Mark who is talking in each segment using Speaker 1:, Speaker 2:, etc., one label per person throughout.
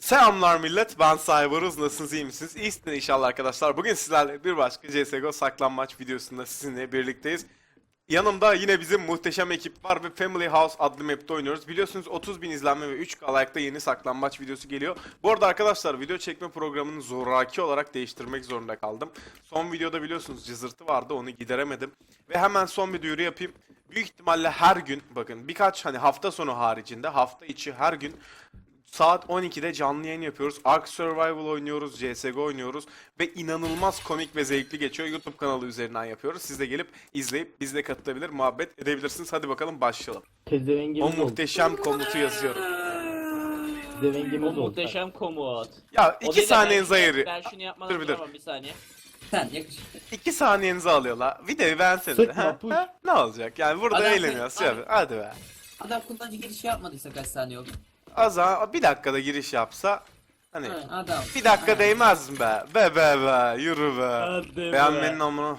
Speaker 1: Selamlar millet, ben Cyberuz. Nasılsınız, iyi misiniz? İyisiniz inşallah arkadaşlar. Bugün sizlerle bir başka CSGO saklanmaç videosunda sizinle birlikteyiz. Yanımda yine bizim muhteşem ekip var ve Family House adlı map'te oynuyoruz. Biliyorsunuz 30.000 izlenme ve 3K like'da yeni saklanmaç videosu geliyor. Bu arada arkadaşlar video çekme programını zoraki olarak değiştirmek zorunda kaldım. Son videoda biliyorsunuz cızırtı vardı, onu gideremedim. Ve hemen son bir duyuru yapayım. Büyük ihtimalle her gün, bakın birkaç hafta sonu haricinde hafta içi her gün saat 12'de canlı yayın yapıyoruz. Ark Survival oynuyoruz, CSGO oynuyoruz ve inanılmaz komik ve zevkli geçiyor. YouTube kanalı üzerinden yapıyoruz. Siz de gelip izleyip bizle katılabilir, muhabbet edebilirsiniz. Hadi bakalım başlayalım. O
Speaker 2: Pezevengimiz oldu.
Speaker 1: muhteşem komutu yazıyorum.
Speaker 3: O
Speaker 2: Pezevengimiz oldu.
Speaker 3: muhteşem komut.
Speaker 1: Ya
Speaker 3: O
Speaker 1: 2
Speaker 3: değil de
Speaker 1: saniyenizi
Speaker 3: ben
Speaker 1: ayırıyor.
Speaker 3: şunu yapmadan
Speaker 1: Dur bir
Speaker 3: duramam, bir saniye.
Speaker 4: Sen yakışıklı.
Speaker 1: 2 saniyenizi alıyorlar. Videoyu beğensenize.
Speaker 2: Sıkma, push.
Speaker 1: Ne olacak? Yani burada
Speaker 4: Adam-
Speaker 1: eğleniyoruz. Hadi be.
Speaker 4: Adam kullanıcı girişi yapmadıysa kaç saniye oldu?
Speaker 1: Az daha bir dakikada giriş yapsa hani
Speaker 4: Ha, adam.
Speaker 1: bir dakika değmez mi be? Be yürü be.
Speaker 3: Hadi be.
Speaker 1: Beğenmenin amına.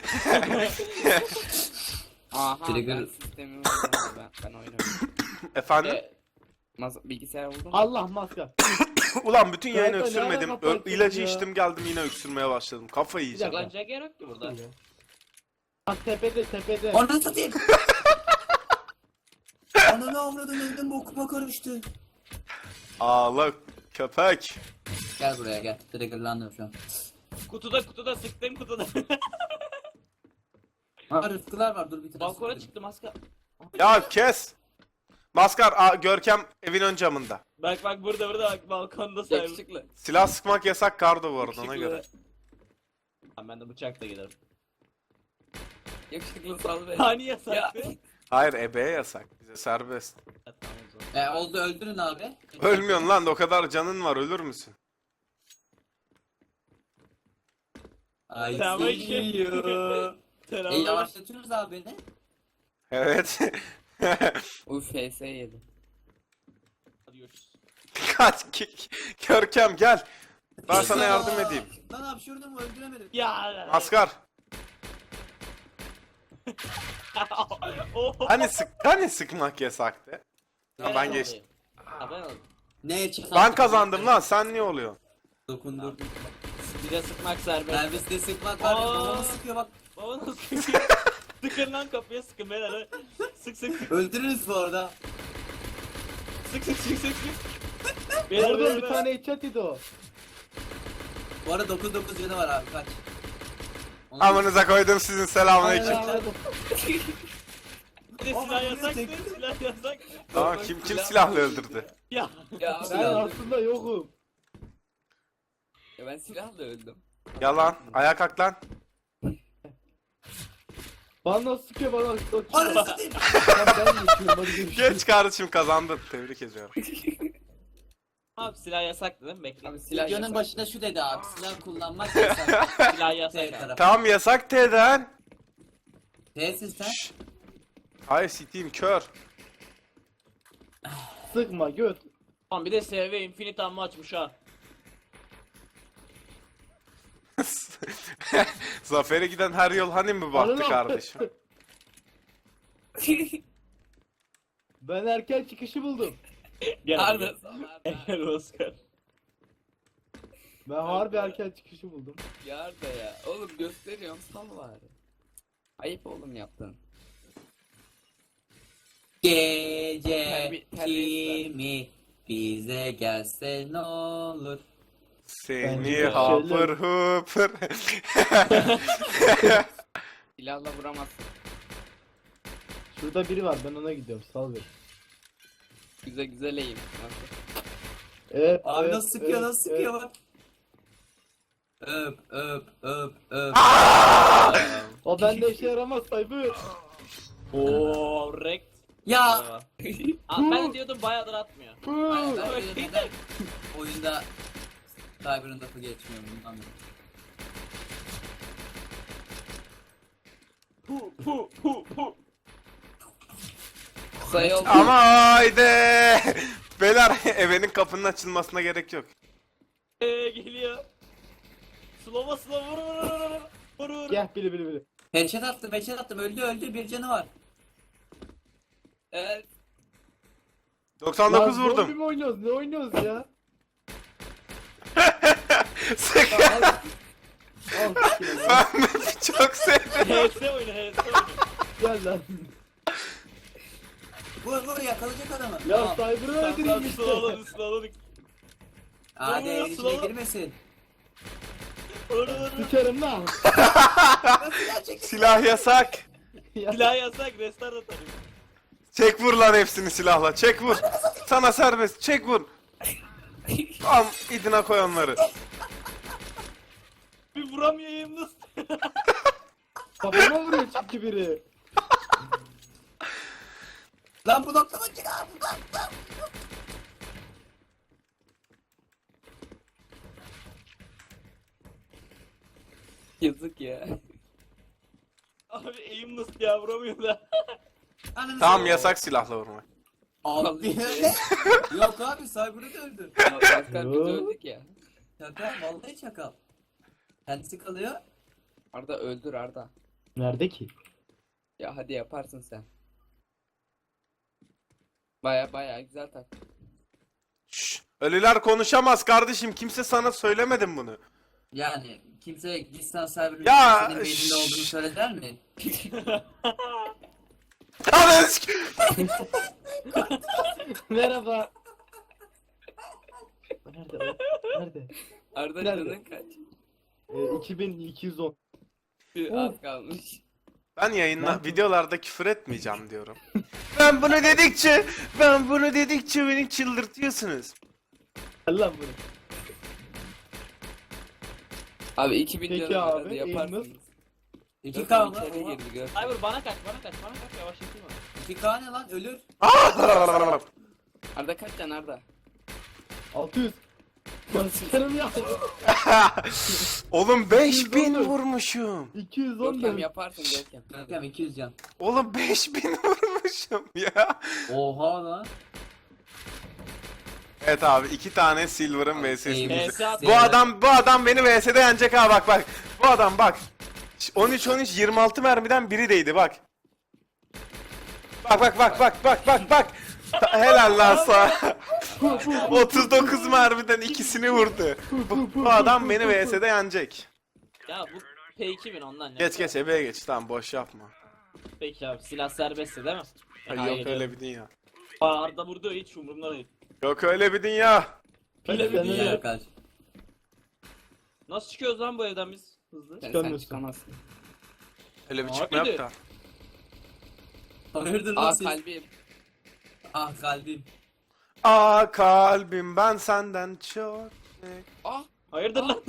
Speaker 5: Aha
Speaker 4: Trigger-
Speaker 5: ben sistemi vurdum ben oynuyorum.
Speaker 1: Efendim?
Speaker 5: Bilgisayar vurdum.
Speaker 2: Allah maska.
Speaker 1: Ulan bütün yayını
Speaker 2: Kanka, ne
Speaker 1: öksürmedim.
Speaker 2: alaka fark
Speaker 1: İlacı
Speaker 2: ya?
Speaker 1: içtim geldim yine öksürmeye başladım. Kafayı yiyeceğim.
Speaker 2: dakika.
Speaker 3: Kullanacak yer yok ki burada.
Speaker 2: Bak tepede.
Speaker 4: Onu satayım. Ananı avradın öldüm bokuma karıştı.
Speaker 1: Ağla köpek.
Speaker 4: Gel buraya gel. Triggerlandım şu an.
Speaker 3: Kutuda sıktım kutuda.
Speaker 4: Ha rıfkılar var dur bir tane.
Speaker 3: Balkona çıktı maska.
Speaker 1: Ya kes. Maskar Görkem evin ön camında.
Speaker 3: Bak burada bak balkonda sayılır.
Speaker 5: Yakışıklı.
Speaker 1: Silah sıkmak yasak kardo bu arada ona göre.
Speaker 3: Ben de bıçakla giderim.
Speaker 5: Yakışıklı sal beni.
Speaker 3: Hani
Speaker 5: Ya.
Speaker 3: yasaktı?
Speaker 1: Hayır ebeye yasak. Bize serbest.
Speaker 3: Ha, tamam o zaman.
Speaker 4: Oldu öldürün abi.
Speaker 1: Ölmüyorsun lan o kadar canın var ölür müsün?
Speaker 4: Ay
Speaker 3: Tamam,
Speaker 4: see you.
Speaker 3: Selamlar.
Speaker 4: Yavaşlatıyoruz abi beni.
Speaker 1: Evet.
Speaker 5: Uf FS yedi.
Speaker 3: Hadi görüşürüz.
Speaker 1: Kaç Görkem gel. Ben sana yardım edeyim.
Speaker 4: Lan hapşurdum öldüremedim.
Speaker 3: Ya.
Speaker 1: Maskar.
Speaker 3: Oh.
Speaker 1: Hani sıkmak yasaktı? Ha, ben geçtim.
Speaker 3: Ha, ben aldım.
Speaker 4: Ne çatal?
Speaker 1: Ben kazandım lan sen niye oluyorsun?
Speaker 4: Dokundu.
Speaker 3: Bir de sıkmak serbest.
Speaker 4: Serviste sıkmak var.
Speaker 3: Aa.
Speaker 4: Babamı sıkıyor bak.
Speaker 3: Baba nasıl sıkıyor? Sıkın lan kapıya sıkın beyler. Sık.
Speaker 4: Öldürürüz bu arada.
Speaker 3: Sık. Beyler
Speaker 2: Orada
Speaker 3: beyler.
Speaker 2: bir tane headshot yedi o.
Speaker 4: Bu arada 9 canı var abi kaç. Onu-
Speaker 1: Amınıza koydum sizin selamünaleyküm.
Speaker 3: Bir de silah yasaktı. Silah yasak.
Speaker 1: Tamam kim silahla öldürdü?
Speaker 3: Ya.
Speaker 5: Ya,
Speaker 2: Ben aslında yokum.
Speaker 5: ya ben silahla öldüm.
Speaker 1: Yalan. Ayağa kalk lan.
Speaker 2: Bana sıkıyor bana.
Speaker 4: Ananı satayım.
Speaker 2: Ben geçiyorum hadi görüşürüz.
Speaker 1: Geç kardeşim kazandın. Tebrik ediyorum.
Speaker 3: Abi silah yasaktı değil mi? Bekle.
Speaker 5: Abi silah
Speaker 4: Videonun
Speaker 5: yasak.
Speaker 4: başında şu dedi abi. Silah kullanmak yasak.
Speaker 3: Silah yasak.
Speaker 4: T tarafı.
Speaker 1: Tamam yasak T'den.
Speaker 4: T'sin sen.
Speaker 1: Şşş. Hayır siteyim kör.
Speaker 2: Sıkma göt.
Speaker 3: Tamam bir de SV Infinite Ammo açmış ha.
Speaker 1: Zafer'e giden her yol hani mi baktı
Speaker 2: Ananı-
Speaker 1: kardeşim?
Speaker 2: Ben erken çıkışı buldum.
Speaker 3: Gel.
Speaker 5: Harbi.
Speaker 3: Gel Oscar.
Speaker 2: Ben harbi erken çıkışı buldum.
Speaker 5: Yar da ya. Oğlum gösteriyorum sal bari. Ayıp oğlum yaptın.
Speaker 4: Gece
Speaker 5: Terbiyesiz
Speaker 4: kimi bize gelse ne olur.
Speaker 1: Seni
Speaker 2: Bence
Speaker 1: hapır hupır.
Speaker 5: Silahla vuramazsın.
Speaker 2: Şurada biri var ben ona gidiyorum sal beni.
Speaker 5: Güzel eğim. Nasıl?
Speaker 2: Evet.
Speaker 4: Abi
Speaker 2: evet,
Speaker 4: nasıl sıkıyor
Speaker 2: evet,
Speaker 4: nasıl sıkıyor bak. Öp.
Speaker 2: O bende işe yaramaz Cyber.
Speaker 3: Oo, rekt.
Speaker 4: Ya.
Speaker 3: Aa, ben de diyordum bayağıdır atmıyor.
Speaker 4: Ben böyle neden oyunda Cyber'ın lafı geçmiyor bundan dolayı.
Speaker 3: Pu.
Speaker 5: Sayı oldu.
Speaker 1: Ama haydi. Beyler evenin kapının açılmasına gerek yok.
Speaker 3: Geliyor. Slow'a vur.
Speaker 2: Gel bili.
Speaker 4: Headshot attım öldü bir canı var.
Speaker 5: Evet.
Speaker 1: 99
Speaker 2: Lan zombi
Speaker 1: vurdum.
Speaker 2: mi oynuyoruz ne oynuyoruz ya?
Speaker 1: Sık.
Speaker 2: Al.
Speaker 1: Ben map'i çok sevdim.
Speaker 3: HS oyunu, HS oyunu.
Speaker 2: Gel lan.
Speaker 4: Vur yakalayacak adamı.
Speaker 2: Ya
Speaker 4: Tamam.
Speaker 2: Cyber'ı öldüreyim
Speaker 3: Tamam,
Speaker 2: işte.
Speaker 3: sılaladık, sılaladık.
Speaker 4: Hadi
Speaker 3: Vur,
Speaker 4: evin içine
Speaker 3: sıvı.
Speaker 4: girmesin.
Speaker 3: Vur.
Speaker 2: Sikerim lan.
Speaker 1: Silah yasak.
Speaker 2: Ya,
Speaker 3: Silah yasak, restart atarım.
Speaker 1: Çek vur lan hepsini silahla. Çek vur. Sana serbest. Çek vur. Tam idine koy onları.
Speaker 3: Bir vuramayayım nasıl?
Speaker 2: Kafama vuruyor çünkü biri.
Speaker 4: Lan bu noktadan çık abi.
Speaker 5: Yazık ya.
Speaker 3: Abi aim nasıl ya, vuramıyor da.
Speaker 4: Ananı
Speaker 1: Tamam
Speaker 4: satayım.
Speaker 1: yasak silahla vurmak.
Speaker 4: Abi ne? Yok abi Cyber'ı da öldü.
Speaker 5: Ya Maskar biz
Speaker 2: Yo.
Speaker 5: öldük ya.
Speaker 4: Şaka vallahi çakal. Kendisi kalıyor.
Speaker 5: Arda öldür Arda.
Speaker 2: Nerede ki?
Speaker 5: Ya hadi yaparsın sen. Baya güzel tak.
Speaker 1: Şşş. Ölüler konuşamaz kardeşim. Kimse sana söylemedim bunu.
Speaker 4: Yani kimse Gistan Cyber'ın
Speaker 1: Ya,
Speaker 4: senin beyninde olduğunu söyleder mi?
Speaker 1: Ananı sik-
Speaker 2: Merhaba. Nerede o? Nerede?
Speaker 5: Arda
Speaker 2: Nerede?
Speaker 5: canın kaç?
Speaker 2: 2210.
Speaker 5: Az kalmış.
Speaker 1: Ben yayınla
Speaker 2: Nerede?
Speaker 1: videolarda küfür etmeyeceğim diyorum. ben bunu dedikçe beni çıldırtıyorsunuz.
Speaker 2: Gel lan bunu.
Speaker 5: Abi 2000
Speaker 2: Peki
Speaker 5: canın var,
Speaker 2: abi,
Speaker 5: hadi
Speaker 2: aim
Speaker 5: yaparsınız.
Speaker 4: 2K mı?
Speaker 5: İçeri girdi gör.
Speaker 3: Cyber bana kaç, bana kaç, bana kaç, yavaşlatayım abi.
Speaker 4: 2K ne lan ölür.
Speaker 5: Arda kaç can Arda?
Speaker 2: 600. Ben sikerim ya.
Speaker 1: Oğlum 5000
Speaker 2: 210.
Speaker 1: vurmuşum.
Speaker 2: 210
Speaker 5: Görkem
Speaker 2: da.
Speaker 5: yaparsın Görkem.
Speaker 4: Görkem 200 can.
Speaker 1: Oğlum 5000 vurmuşum ya.
Speaker 4: Oha lan.
Speaker 1: Evet abi 2 tane Silver'ın VS'sini.
Speaker 3: VS at.
Speaker 1: Bu adam beni VS'de yenecek ha bak. Bu adam bak. 13 26 mermiden biri değdi bak. Bak. Helal lan sana. 39 mermiden ikisini vurdu. Bu adam beni VS'de yenecek.
Speaker 3: Ya bu P2000 ondan ya.
Speaker 1: Geç ebeye geç tamam boş yapma.
Speaker 3: Peki abi, silah serbestse değil mi?
Speaker 1: Ay, yok öyle bir dünya.
Speaker 3: Arda vurdu, hiç umurumda değil.
Speaker 1: Yok öyle bir dünya.
Speaker 3: Öyle bir
Speaker 2: Sen
Speaker 3: dünya.
Speaker 2: öyle-
Speaker 4: Ya kaç.
Speaker 3: Nasıl çıkıyoruz lan bu evden biz? Hızlı.
Speaker 5: Sen
Speaker 2: Çıkamıyorsun.
Speaker 5: çıkamazsın.
Speaker 1: Öyle bir
Speaker 3: Abi
Speaker 1: çıkma
Speaker 3: de.
Speaker 1: yok da.
Speaker 4: Hayırdır lan
Speaker 5: Aa
Speaker 4: siz?
Speaker 5: kalbim.
Speaker 4: Ah kalbim.
Speaker 1: Aa kalbim ben senden çok.
Speaker 5: Ah.
Speaker 3: Hayırdır lan?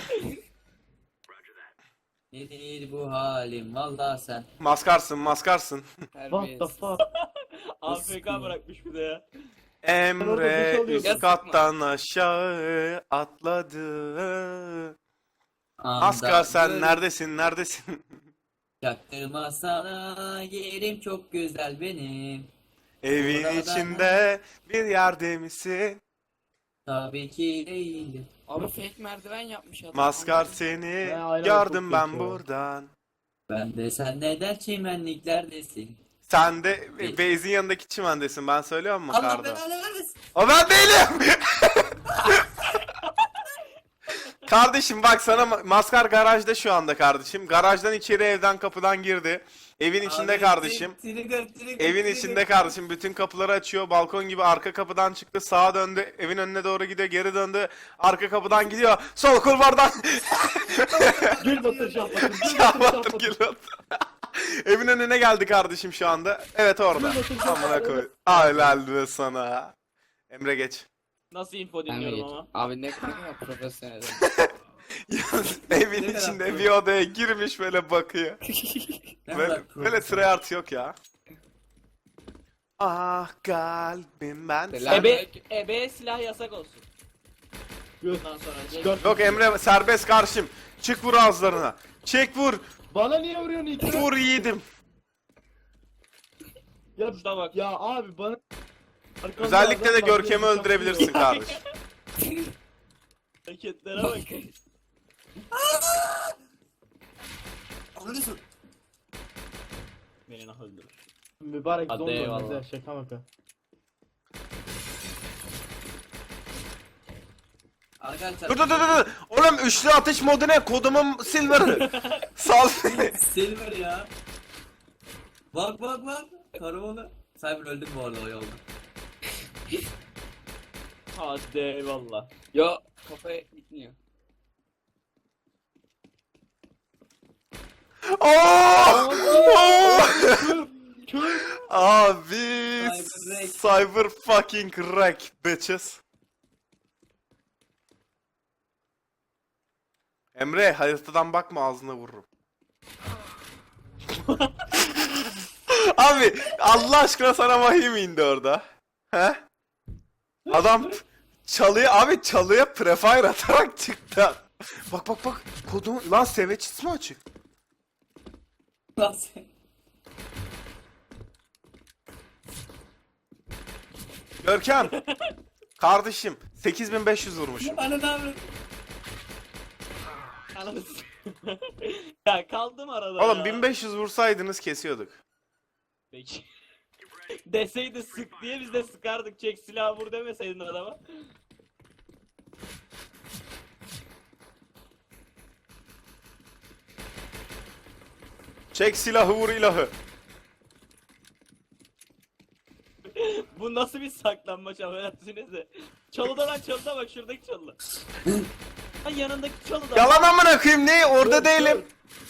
Speaker 4: Nedir bu halim valla sen.
Speaker 1: Maskarsın.
Speaker 2: What the
Speaker 5: Terbiyesiz.
Speaker 2: fuck?
Speaker 3: AFK bırakmış bir de ya.
Speaker 1: Emre
Speaker 2: orada duş
Speaker 1: üst
Speaker 5: alıyordum.
Speaker 1: kattan aşağı atladı.
Speaker 4: Anda
Speaker 1: Maskar sen
Speaker 4: gör-
Speaker 1: neredesin?
Speaker 4: Çaktırma sana yerim çok güzel benim.
Speaker 1: Evin
Speaker 4: Burada
Speaker 1: içinde bir yerde misin?
Speaker 4: Tabii ki değil.
Speaker 5: Abi fake merdiven yapmış adam.
Speaker 1: Maskar seni
Speaker 2: Ya, aynen,
Speaker 1: gördüm
Speaker 2: çok
Speaker 1: ben
Speaker 2: kötü o.
Speaker 1: buradan.
Speaker 4: Ben de sen neden çimenliklerdesin?
Speaker 1: Sen de Beyz'in yanındaki çimendesin ben söylüyor mu
Speaker 4: Allah
Speaker 1: Karda?
Speaker 4: belanı vermesin.
Speaker 1: O ben değilim. Kardeşim bak sana Maskar garajda şu anda kardeşim. Garajdan içeri evden kapıdan girdi. Evin içinde
Speaker 4: Abi,
Speaker 1: kardeşim.
Speaker 4: trigger.
Speaker 1: Evin içinde kardeşim bütün kapıları açıyor. Balkon gibi arka kapıdan çıktı. Sağa döndü. Evin önüne doğru gidiyor. Geri döndü. Arka kapıdan gidiyor. Sol kulvardan.
Speaker 2: Gül batır şahbatır. Gül batır
Speaker 1: Şahbatır
Speaker 2: şahbatır.
Speaker 1: geliyor. Evin önüne geldi kardeşim şu anda. Evet orada.
Speaker 2: Gül batır
Speaker 1: Amına
Speaker 2: şahbatır.
Speaker 1: koy. Helal be sana. Emre geç.
Speaker 3: Nasıl info
Speaker 5: Ben mi
Speaker 3: dinliyorum
Speaker 5: geç?
Speaker 3: ama.
Speaker 5: Abi ne kadar profesyonel.
Speaker 1: Evin
Speaker 4: Ne kadar
Speaker 1: içinde
Speaker 4: pro.
Speaker 1: bir odaya girmiş böyle bakıyor.
Speaker 4: Ne
Speaker 1: Böyle,
Speaker 4: kadar
Speaker 1: böyle tryhard yok ya. Ah kalbim ben.
Speaker 5: Selam.
Speaker 3: Ebe silah yasak olsun.
Speaker 2: Gül.
Speaker 3: Bundan sonra.
Speaker 2: Çıkart.
Speaker 1: Yok Emre serbest karşım. Çık vur ağızlarına. Çek vur.
Speaker 2: Bana niye vuruyorsun ilk?
Speaker 1: Vur yiğidim.
Speaker 2: Ya,
Speaker 3: Şuna bak.
Speaker 2: ya abi bana... Arkamda
Speaker 1: Özellikle de
Speaker 2: adam var,
Speaker 1: Görkem'i
Speaker 2: beni
Speaker 1: öldürebilirsin
Speaker 2: saplıyor.
Speaker 1: kardeşim.
Speaker 3: Hareketlere bak.
Speaker 4: Anlıyorsun.
Speaker 3: Beni nah öldürür.
Speaker 2: Mübarek
Speaker 3: Hadi
Speaker 2: zombi
Speaker 3: eyvallah.
Speaker 2: olmaz ya şaka maka.
Speaker 4: Arkadaşlar.
Speaker 1: Dur. Oğlum üçlü atış modu ne? Kodumun Silver'ı. Sal beni.
Speaker 4: Silver ya. Bak. Karavanı. Cyber öldüm bu arada o yolda.
Speaker 3: Hadi eyvallah.
Speaker 5: Yo kafaya gitmiyor.
Speaker 1: Oo!
Speaker 2: Kör.
Speaker 1: Abi
Speaker 4: Cyber
Speaker 1: cyber fucking wreck bitches. Emre haritadan bakma ağzına vururum. Abi Allah aşkına sana vahiy mi indi orada? He? Adam çalıya prefire atarak çıktı. Bak kodum lan seveçis mi açık?
Speaker 4: Nasıl?
Speaker 1: Görkem. Kardeşim 8500 vurmuşum.
Speaker 4: Bana ne yapıyorsun?
Speaker 3: Ananı ya kaldım arada
Speaker 1: Oğlum
Speaker 3: ya.
Speaker 1: 1500 vursaydınız kesiyorduk.
Speaker 3: Peki. Deseydi sık diye biz de sıkardık. Çek silahı vur demeseydin adama.
Speaker 1: Çek silahı vur ilahı.
Speaker 3: Bu nasıl bir saklanmaç affedersiniz de. Çalıda lan çalıda bak şuradaki çalıda. Ha yanındaki çalıda.
Speaker 1: Yalan amına koyayım ne? Orada değilim.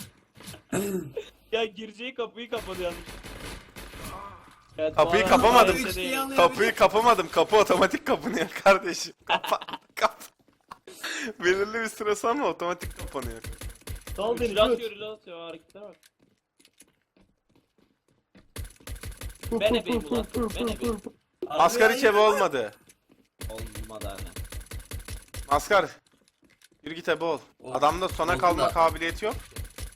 Speaker 3: Ya gireceği kapıyı kapadı yanlış. Evet,
Speaker 1: Kapıyı
Speaker 3: bu arada
Speaker 1: kapamadım.
Speaker 3: öyle değil.
Speaker 1: Kapıyı kapamadım. Kapı otomatik kapanıyor kardeşim. Kap. Belirli bir süre sonra otomatik kapanıyor.
Speaker 2: Sal beni
Speaker 3: Reload
Speaker 2: kör.
Speaker 3: atıyor, reload atıyor, hareketlere bak. Ben ebeyim ulan, ben ebeyim.
Speaker 1: Maskar hiç ebe olmadı.
Speaker 3: Olmadı abi.
Speaker 1: Maskar. Yürü git ebe ol. Adamda sona
Speaker 4: Oldu
Speaker 1: kalma
Speaker 4: da.
Speaker 1: kabiliyeti yok.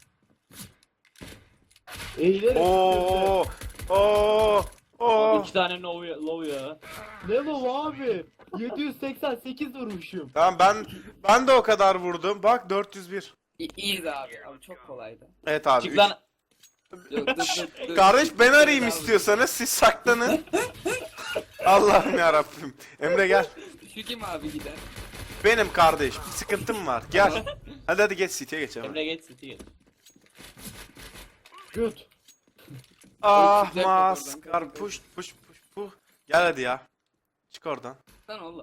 Speaker 2: Eğilerek.
Speaker 1: Oo. Oo. Oo.
Speaker 3: 2 tane low ya.
Speaker 2: Ne lo abi? 788 vurmuşum.
Speaker 1: Tamam ben de o kadar vurdum. Bak 401.
Speaker 5: İyiydi abi. Abi çok kolaydı.
Speaker 1: Evet abi.
Speaker 3: Çık
Speaker 1: üç-
Speaker 3: lan.
Speaker 5: Yok dur.
Speaker 1: Kardeş ben arayayım istiyorsanız siz saklanın. Allah'ım ya Rabbim. Emre gel.
Speaker 5: Şu kim abi gider?
Speaker 1: Benim kardeş. Bir sıkıntım var. Gel. Hadi geç City'ye geç hemen.
Speaker 3: Emre geç City geç.
Speaker 2: Göt.
Speaker 1: Ah
Speaker 5: Güzel kapı
Speaker 1: maskar
Speaker 5: oradan.
Speaker 1: push. Gel hadi ya. Çık oradan.
Speaker 5: Lan oğlum.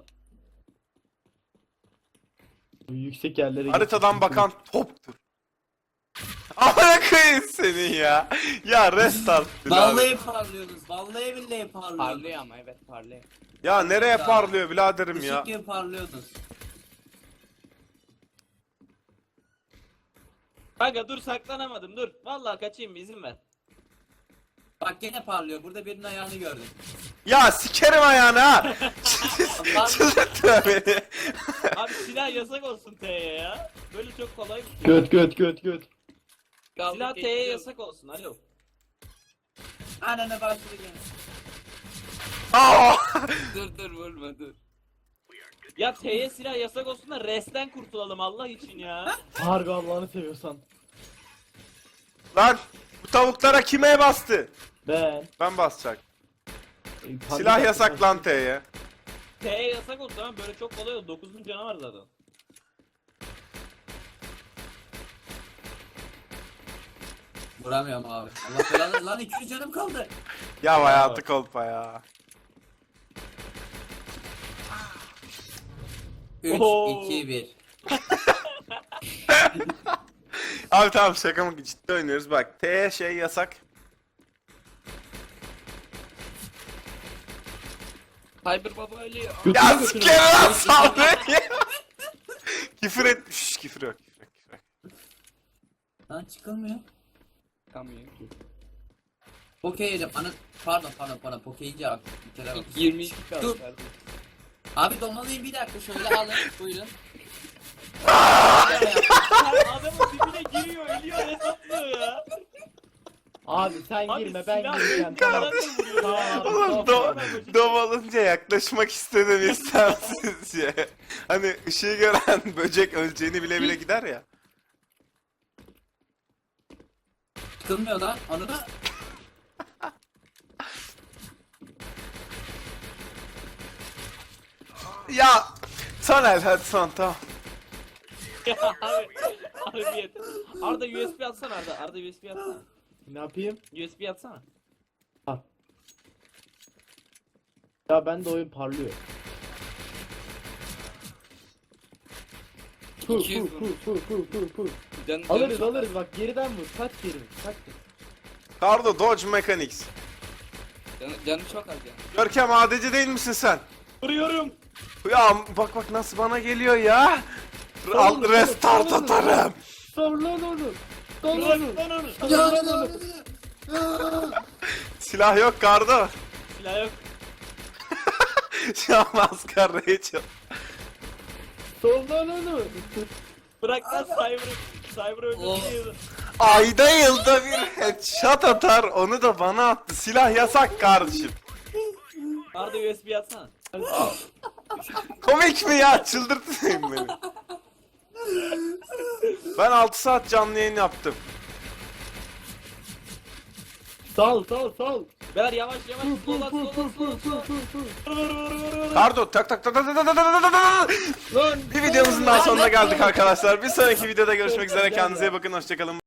Speaker 2: Yüksek yerlere
Speaker 1: Haritadan
Speaker 2: geçtim.
Speaker 1: bakan toptur. Amına koyayım senin ya. Ya restart.
Speaker 4: Vallahi parlıyorsunuz. Vallahi billahi parlıyorsunuz.
Speaker 5: Parlıyor ama evet parlıyor.
Speaker 1: Ya nereye parlıyor biraderim ya.
Speaker 4: Işık gibi parlıyordunuz.
Speaker 3: Kanka dur saklanamadım dur. Vallahi kaçayım bir izin ver.
Speaker 4: Bak gene parlıyor. Burada birinin ayağını gördüm.
Speaker 1: Ya sikerim ayağını ha. Çıldırtma beni.
Speaker 3: Abi silah yasak olsun T'ye ya. Böyle çok kolay bir şey.
Speaker 2: Göt.
Speaker 3: Silah T'ye yasak olsun alo.
Speaker 4: Ananı başladı gene.
Speaker 1: Aa!
Speaker 5: Dur vurma dur.
Speaker 3: Ya T'ye silah yasak olsun da resten kurtulalım Allah için ya.
Speaker 2: Harbi Allah'ını seviyorsan.
Speaker 1: Lan bu tavuklara kime bastı?
Speaker 2: Ben.
Speaker 1: Ben basacak.
Speaker 2: Panik
Speaker 1: Silah
Speaker 2: yaptım.
Speaker 1: yasak lan T'ye.
Speaker 3: T'ye yasak olsun ama böyle çok kolay oldu. 9'un canı var zaten.
Speaker 4: Vuramıyorum abi. Allah belanı lan 200 canım kaldı.
Speaker 1: Ya hayatı kolpa ya.
Speaker 4: 3,
Speaker 3: Oo.
Speaker 4: 2, 1.
Speaker 1: Abi tamam şaka mı ciddi oynuyoruz bak. T'ye şey yasak.
Speaker 5: Cyber baba ölüyor.
Speaker 2: Götüne
Speaker 1: Ya
Speaker 2: götüne.
Speaker 1: sikerim lan sal beni. Küfür et. Şşş küfür yok.
Speaker 4: Lan çıkılmıyor.
Speaker 5: Çıkamıyor ki.
Speaker 4: Pokey yedim. Pardon. Pokey yiyince abi. Bir kere bak.
Speaker 5: 22 kaldı.
Speaker 4: Dur.
Speaker 5: kardeşim.
Speaker 4: Abi domalıyım bir dakika şöyle alın. Buyurun.
Speaker 3: Adamın dibine giriyor, ölüyor, hesaplıyor ya.
Speaker 2: Abi sen
Speaker 3: Abi
Speaker 2: girme ben
Speaker 3: silah
Speaker 2: gireceğim. Tamam.
Speaker 3: yandan vuruyor ya.
Speaker 1: Oğlum dom alınca yaklaşmak istedim istemsizce. Hani ışığı gören böcek öleceğini bile bile gider ya.
Speaker 4: Çıkılmıyor lan. Onu da
Speaker 1: Ya Son el hadi son tamam.
Speaker 3: Ya abi. Abi bir yeter. Arda USB atsana Arda. Arda USB atsana.
Speaker 2: Ne yapayım?
Speaker 3: USB atsana.
Speaker 2: Ya ben de oyun parlıyor. Fu
Speaker 5: 200
Speaker 2: fu fu fu fu fu.
Speaker 5: Canı
Speaker 2: Alırız bak geriden vur. Kaç geri vur. Kaç geri.
Speaker 1: Kardo Dodge Mechanics.
Speaker 5: Canı çok az yani.
Speaker 1: Görkem ADC değil misin sen?
Speaker 3: Vuruyorum.
Speaker 1: Ya bak nasıl bana geliyor ya. Al restart atarım.
Speaker 2: Sor lan onu. Sor
Speaker 3: Bırak
Speaker 2: onu.
Speaker 3: lan onu.
Speaker 2: Sor lan onu.
Speaker 1: Silah yok Kardo.
Speaker 3: Silah yok.
Speaker 1: Şu an maskar Rachel.
Speaker 2: Sor lan onu.
Speaker 3: Bırak lan Cyber'ı. Cyber'ı
Speaker 4: Oh.
Speaker 3: öldürdü.
Speaker 1: Ayda yılda bir headshot atar onu da bana attı. Silah yasak kardeşim.
Speaker 3: Arda USB atsana.
Speaker 1: Komik mi ya? Çıldırtmayın beni. Ben 6 saat canlı yayın yaptım.
Speaker 2: Sal.
Speaker 3: Beyler yavaş yavaş. Sola
Speaker 2: Fu
Speaker 3: sola
Speaker 2: fu
Speaker 3: sola
Speaker 2: fu
Speaker 3: sola.
Speaker 2: fu fu.
Speaker 3: Vur.
Speaker 1: Kardo tak tak tak tak tak tak tak tak tak tak.
Speaker 2: Lan
Speaker 1: Bir videomuzun daha sonuna geldik arkadaşlar. Bir sonraki videoda görüşmek üzere. Kendinize iyi bakın. Hoşçakalın.